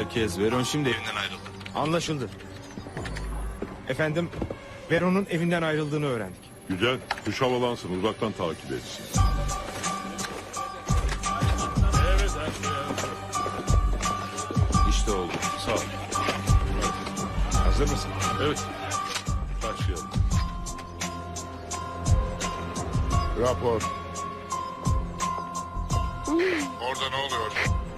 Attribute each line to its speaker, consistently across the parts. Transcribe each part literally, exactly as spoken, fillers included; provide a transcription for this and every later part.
Speaker 1: Herkes, Veron şimdi evinden ayrıldı.
Speaker 2: Anlaşıldı. Efendim, Veron'un evinden ayrıldığını öğrendik.
Speaker 3: Güzel. Kuş havalansın. Uzaktan takip etsin.
Speaker 1: İşte oldu.
Speaker 3: Sağ ol.
Speaker 2: Hazır mısın?
Speaker 3: Evet. Başlayalım.
Speaker 4: Rapor. Orada ne oluyor?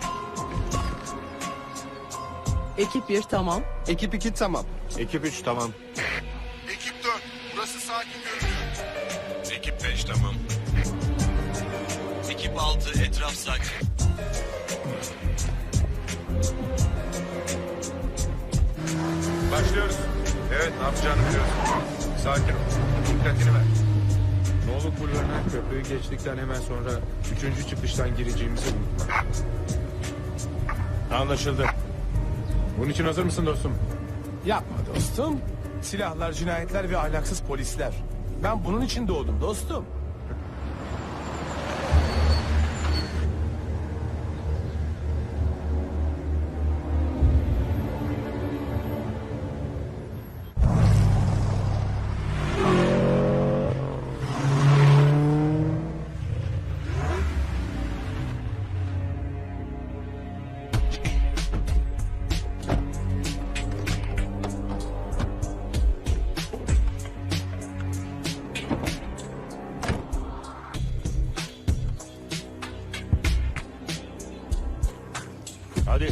Speaker 5: Ekip bir tamam.
Speaker 6: Ekip iki tamam.
Speaker 2: Ekip üç tamam.
Speaker 4: Ekip dört. Burası sakin görünüyor.
Speaker 1: Ekip beş tamam. Ekip altı etraf sakin.
Speaker 2: Başlıyoruz. Evet, ne yapacağını biliyorsun. Sakin ol. Dikkatini ver. Noluk Bulvarı'ndan köprüyü geçtikten hemen sonra üçüncü çıkıştan gireceğimizi unutma. Anlaşıldı. Bunun için hazır mısın dostum?
Speaker 7: Yapma dostum. Silahlar, cinayetler ve ahlaksız polisler. Ben bunun için doğdum dostum.
Speaker 2: Hadi.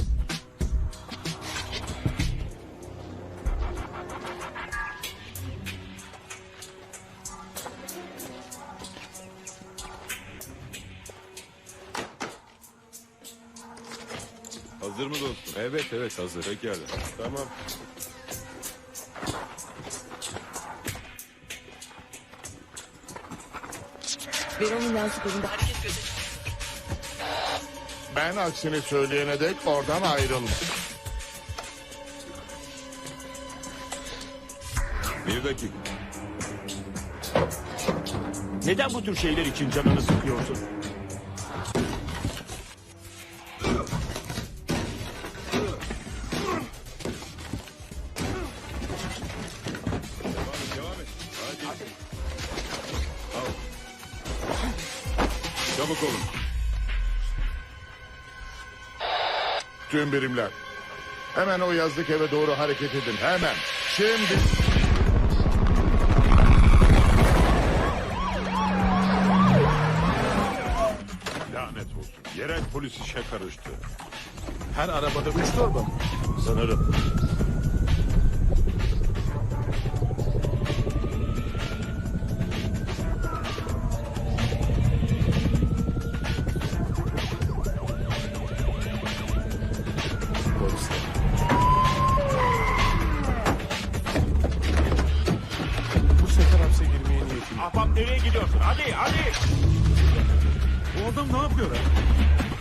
Speaker 3: Hazır mı dostum?
Speaker 1: Evet evet hazır.
Speaker 3: Pekala.
Speaker 2: Tamam.
Speaker 5: Veron'un yansıtlarında hareket gözetimi.
Speaker 4: Ben aksini söyleyene dek oradan ayrılma.
Speaker 3: Bir dakika.
Speaker 2: Neden bu tür şeyler için canını sıkıyorsun?
Speaker 3: Çabuk olun.
Speaker 4: Tüm birimler. Hemen o yazlık eve doğru hareket edin. Hemen. Şimdi.
Speaker 3: Lanet olsun. Yerel polis işe karıştı.
Speaker 7: Her arabada üç torba mı?
Speaker 2: Sanırım.
Speaker 7: Polisler. Bu sefer hapse girmeye niyetim yok.
Speaker 2: Ahbap nereye gidiyorsun? Hadi hadi.
Speaker 3: Bu adam ne yapıyor ha?